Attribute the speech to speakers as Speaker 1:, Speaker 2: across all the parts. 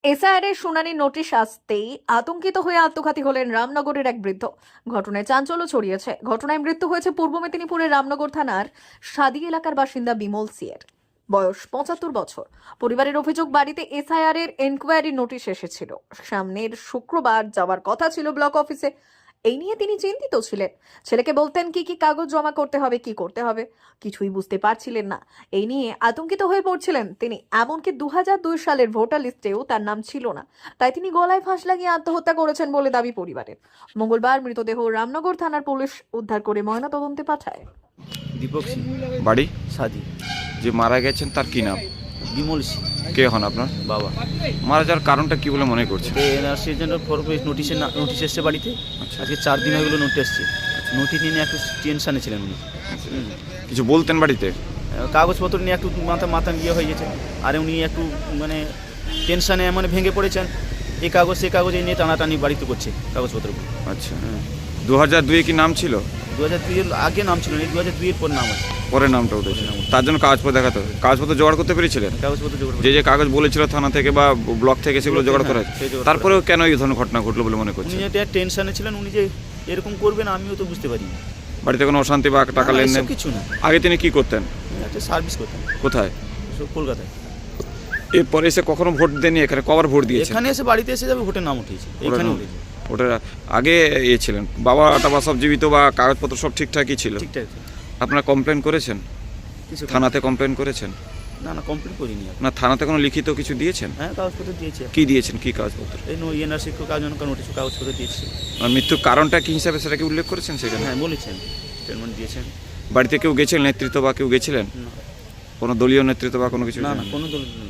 Speaker 1: এসআইআরের শুনানির নোটিশ আসতেই আতঙ্কিত হয়ে আত্মঘাতী হলেন রামনগরের এক বৃদ্ধ। ঘটনায় চাঞ্চল্য ছড়িয়েছে। ঘটনায় মৃত্যু হয়েছে পূর্ব মেদিনীপুরের রামনগর থানার সাদি এলাকার বাসিন্দা বিমল সিয়ের। বয়স ৭৫ বছর। পরিবারের অভিযোগ, বাড়িতে এসআইআর এর এনকোয়ারি নোটিশ এসেছিল। সামনের শুক্রবার যাওয়ার কথা ছিল ব্লক অফিসে। এই নিয়ে তিনি চিন্তিত ছিলেন। ছেলেকে বলতেন কি কি কাগজ জমা করতে হবে, কি করতে হবে, কিছুই বুঝতে পারছিলেন না। এই নিয়ে আতঙ্কিত হয়ে পড়ছিলেন তিনি। এমনকি ২০০২ সালের ভোটার লিস্টেও তার নাম ছিল না। তাই তিনি গলায় ফাঁস লাগিয়ে আত্মহত্যা করেছেন বলে দাবি পরিবারের। মঙ্গলবার মৃতদেহ রামনগর থানার পুলিশ উদ্ধার করে ময়নাতদন্তে পাঠায়।
Speaker 2: দীপক সিং,
Speaker 3: বাড়ি
Speaker 2: সাদি,
Speaker 3: যে মারা গেছেন তার কি নাম?
Speaker 2: বিমল সিং,
Speaker 3: কে হন আপনার?
Speaker 2: বাবা।
Speaker 3: মারা যাওয়ার কারণটা কি বলে মনে করছেন?
Speaker 2: এনআরসির জন্য নোটিশ এসছে বাড়িতে।
Speaker 3: আচ্ছা।
Speaker 2: আজকে 4 দিন হয়ে গেলো নোটিশ এসছে। নোটিশ নিয়ে একটু টেনশানে ছিলেন উনি।
Speaker 3: কিছু বলতেন বাড়িতে?
Speaker 2: কাগজপত্র নিয়ে একটু মাথা ইয়ে হয়ে গেছে। আর উনি একটু মানে টেনশানে মানে ভেঙে পড়েছেন। এই কাগজ সে কাগজ এই নিয়ে টানাটানি বাড়িতে করছে কাগজপত্রগুলো।
Speaker 3: আচ্ছা, 2002-এ কি নাম ছিল?
Speaker 2: 2002 এর আগে নাম ছিল না, 2002 এর পর নাম আছে।
Speaker 3: পরে নামটা উঠেছে, তার জন্য কাগজপত্র দেখাতে হবে। কাগজপত্র জোগাড় করতে পেরেছিলেন?
Speaker 2: কাগজপত্র জোগাড়
Speaker 3: যে যে কাগজ বলেছিল থানা থেকে বা ব্লক থেকে সেগুলো জোগাড় করা
Speaker 2: হ্যাঁ, সেই জোগাড়
Speaker 3: তারপরেও কেন এই ধরনের ঘটনা ঘটলো বলে মনে
Speaker 2: উনি
Speaker 3: করছেন?
Speaker 2: যে টেনশানে ছিলেন, উনি যে এরকম করবেন আমিও তো বুঝতে পারি না।
Speaker 3: বাড়িতে কোনো অশান্তি বা টাকা
Speaker 2: না,
Speaker 3: লেনদেন?
Speaker 2: এসব কিছু না।
Speaker 3: আগে তিনি কি করতেন?
Speaker 2: একটা সার্ভিস করতাম।
Speaker 3: কোথায়?
Speaker 2: সব কলকাতায়।
Speaker 3: এরপরে এসে কখনো ভোট দেননি এখানে? কবার ভোট দিয়েছেন?
Speaker 2: এখানে এসে বাড়িতে এসে যাবে ভোটের নাম উঠেছে এখানে উঠেছে।
Speaker 3: ওটা আগে ছিলেন বাবা টাবা সব জীবিত বা কাগজপত্র সব ঠিকঠাকই ছিল?
Speaker 2: ঠিকঠাক।
Speaker 3: আপনারা কমপ্লেন করেছেন?
Speaker 2: কিছু
Speaker 3: থানাতে কমপ্লেন করেছেন?
Speaker 2: না কমপ্লিট করিনি আর।
Speaker 3: না, থানাতে কোনো লিখিত কিছু দিয়েছেন?
Speaker 2: হ্যাঁ, কাগজপত্র দিয়েছে।
Speaker 3: কি দিয়েছেন, কি কাগজপত্র?
Speaker 2: এই এনআরসি কাগজ নোটিশ কাগজপত্র দিয়েছে।
Speaker 3: আর মৃত্যুর কারণটা কি হিসাবে সেটা কি উল্লেখ করেছেন সেখানে?
Speaker 2: হ্যাঁ, বলেছেন, স্টেটমেন্ট দিয়েছেন।
Speaker 3: বাড়িতে কেউ গেছিলেন, নেতৃত্ব বা কেউ গেছিলেন?
Speaker 2: না
Speaker 3: কোনো দলীয় নেতৃত্ব বা কোনো কিছু?
Speaker 2: না কোনো দল নেই।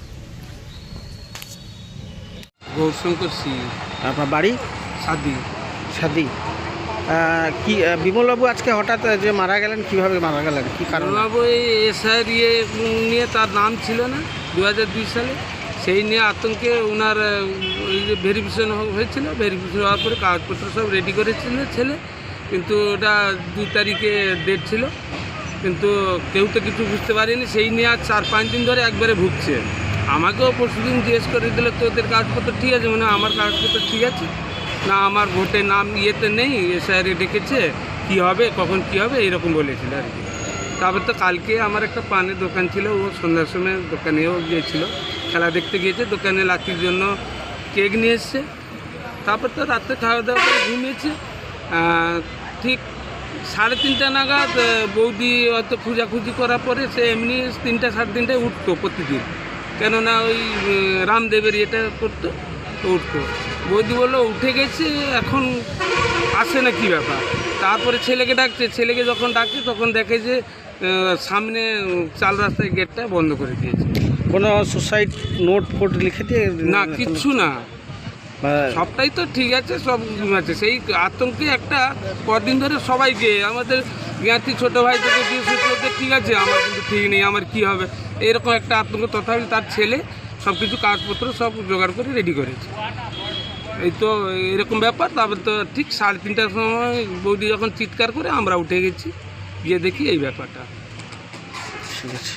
Speaker 4: গৌরশঙ্কর সিং,
Speaker 5: আপনার বাড়ি
Speaker 4: সাদি।
Speaker 5: সাদি। কি বিমলবাবু আজকে হঠাৎ যে মারা গেলেন, কিভাবে মারা গেলেন, কি কারণ?
Speaker 4: বাবু এই এসআইআর নিয়ে তার নাম ছিল না 2002 সালে। সেই নিয়ে আতঙ্কে ওনার ওই যে ভেরিফিকেশন হয়েছিল। ভেরিফিকেশন হওয়ার পরে কাগজপত্র সব রেডি করেছিল ছেলে, কিন্তু ওটা 2 তারিখে ডেট ছিল, কিন্তু কেউ তো কিছু বুঝতে পারেনি। সেই নিয়ে আজ 4-5 দিন ধরে একবারে ভুগছে। আমাকেও পরশুদিন জিজ্ঞেস করে দিল তোদের কাগজপত্র ঠিক আছে? মানে আমার কাগজপত্র ঠিক আছে না, আমার ভোটের নাম ইয়েতে নেই, এসআইআরে ডেকেছে, কী হবে কখন কী হবে এইরকম বলেছিল আর কি। তারপর তো কালকে আমার একটা পানের দোকান ছিল, ও সন্ধ্যার সময় দোকানেও গিয়েছিল, খেলা দেখতে গিয়েছে, দোকানে লাকির জন্য কেক নিয়ে এসছে। তারপর তো রাত্রে খাওয়া দাওয়া করে ঘুমিয়েছে। ঠিক 3:30 নাগাদ বৌদি হয়তো খোঁজাখুঁজি করার পরে সে এমনি 3টা 3:30টায় উঠতো প্রতিদিন, কেননা ওই রামদেবের ইয়েটা করতো, তো উঠতো। বৌদি বললো উঠে গেছে, এখন আসে না, কী ব্যাপার। তারপরে ছেলেকে ডাকছে, ছেলেকে যখন ডাকছে তখন দেখে যে সামনে 4 রাস্তায় গেটটা বন্ধ করে দিয়েছে।
Speaker 5: কোনো সুসাইড নোট ফোট লিখে দিয়ে?
Speaker 4: না, কিচ্ছু না,
Speaker 5: বা-
Speaker 4: সবটাই তো ঠিক আছে, সব আছে। সেই আতঙ্কে একটা কদিন ধরে সবাইকে, আমাদের জ্ঞাতি ছোটো ভাই থেকে দিয়ে সুস্থদের ঠিক আছে, আমার কিন্তু ঠিক নেই, আমার কি হবে, এরকম একটা আতঙ্ক। তথাপি তার ছেলে সব কিছু কাগজপত্র সব জোগাড় করে রেডি করেছে। এই তো এরকম ব্যাপার। তারপর তো ঠিক 3:30টার সময় বৌদি যখন চিৎকার করে আমরা উঠে গেছি, গিয়ে দেখি এই ব্যাপারটা।
Speaker 5: ঠিক আছে।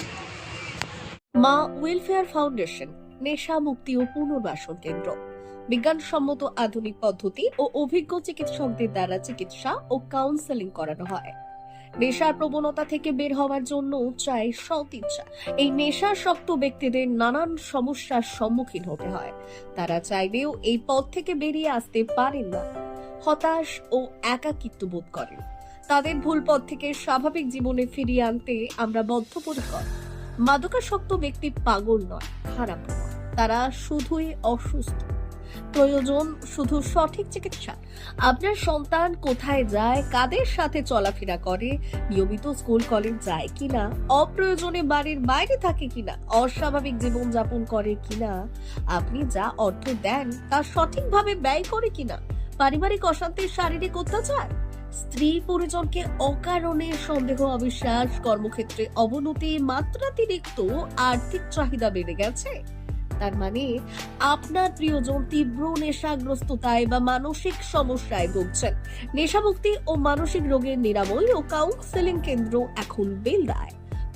Speaker 1: মা ওয়েলফেয়ার ফাউন্ডেশন নেশা মুক্তি ও পুনর্বাসন কেন্দ্র। বিজ্ঞানসম্মত আধুনিক পদ্ধতি ও অভিজ্ঞ চিকিৎসকদের দ্বারা চিকিৎসা ও কাউন্সেলিং করানো হয়। নেশার প্রবণতা থেকে বের হওয়ার জন্য চাই সৎ ইচ্ছা। এই নেশাসক্ত ব্যক্তিদের নানান সমস্যার সম্মুখীন হতে হয়। তারা চাইলেও এই পথ থেকে বেরিয়ে আসতে পারেন না, হতাশ ও একাকিত্ব বোধ করেন। তাদের ভুল পথ থেকে স্বাভাবিক জীবনে ফিরিয়ে আনতে আমরা বদ্ধপরিকর। মাদকাসক্ত ব্যক্তি পাগল নয়, খারাপ নয়, তারা শুধুই অসুস্থ। প্রয়োজন শুধু সঠিক চিকিৎসা। আপনার সন্তান কোথায় যায়, কাদের সাথে চলাফেরা করে, নিয়মিত স্কুল কলেজ যায় কিনা, অপ্রয়োজনে বাড়ির বাইরে থাকে কিনা, অস্বাভাবিক জীবন যাপন করে কিনা, আপনি যা অর্থ দেন তা সঠিকভাবে ব্যয় করে কিনা, পারিবারিক অশান্তি, শারীরিক অত্যাচার, স্ত্রী পরিজনকে অকারণে সন্দেহ, অবিশ্বাস, কর্মক্ষেত্রে অবনতি, মাত্রাতিরিক্ত আর্থিক চাহিদা বেড়ে গেছে, তার মানে আপনার প্রিয়জন তীব্র নেশাগ্রস্ততায় বা মানসিক সমস্যায় ভুগছেন। নেশামুক্তি ও মানসিক রোগের নিরাময় ও কাউন্সেলিং কেন্দ্র এখন বেলদায়।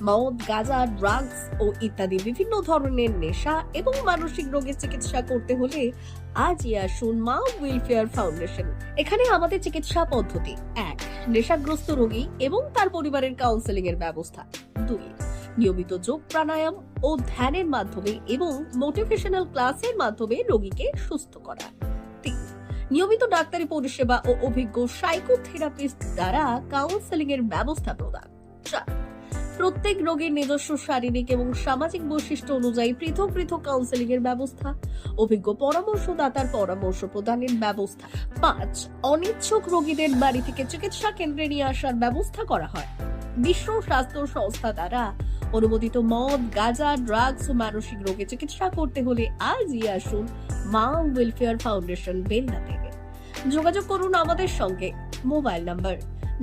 Speaker 1: মদ, গাঁজা, ড্রাগস ও ইত্যাদি বিভিন্ন ধরনের নেশা এবং মানসিক রোগের চিকিৎসা করতে হলে আজই আসুন মা ওয়েলফেয়ার ফাউন্ডেশন। এখানে আমাদের চিকিৎসা পদ্ধতি: 1. নেশাগ্রস্ত রোগী এবং তার পরিবারের কাউন্সেলিং এর ব্যবস্থা। 2. নিয়মিত যোগ, প্রাণায়াম ও ধ্যানের মাধ্যমে এবং মোটিভেশনাল ক্লাসের মাধ্যমে রোগীকে সুস্থ করা। 3. নিয়মিত ডাক্তারি পরিষেবা ও অভিজ্ঞ সাইকোথেরাপিস্ট দ্বারা কাউন্সেলিং এর ব্যবস্থা প্রদান। 4. প্রত্যেক রোগীর নিজস্ব শারীরিক এবং সামাজিক বৈশিষ্ট্য অনুযায়ী পৃথক পৃথক কাউন্সেলিং এর ব্যবস্থা, অভিজ্ঞ পরামর্শদাতার পরামর্শ প্রদানের ব্যবস্থা। 5. অনিচ্ছুক রোগীদের বাড়ি থেকে চিকিৎসা কেন্দ্রে নিয়ে আসার ব্যবস্থা করা হয়। বিশ্ব স্বাস্থ্য সংস্থা দ্বারা অনুমোদিত মদ, গাঁজা, ড্রাগস ও মানসিক রোগে চিকিৎসা করতে হলে আজই আসুন মা ওয়েলফেয়ার ফাউন্ডেশন, বেলদা থেকে। যোগাযোগ করুন আমাদের সঙ্গে। Mobile number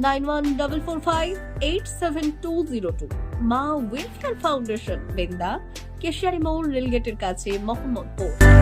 Speaker 1: 9144587202। মা ওয়েলফেয়ার ফাউন্ডেশন, বেলদা, কেশিয়ারি মোড়, রেলগেটের কাছে, মোহাম্মদপুর।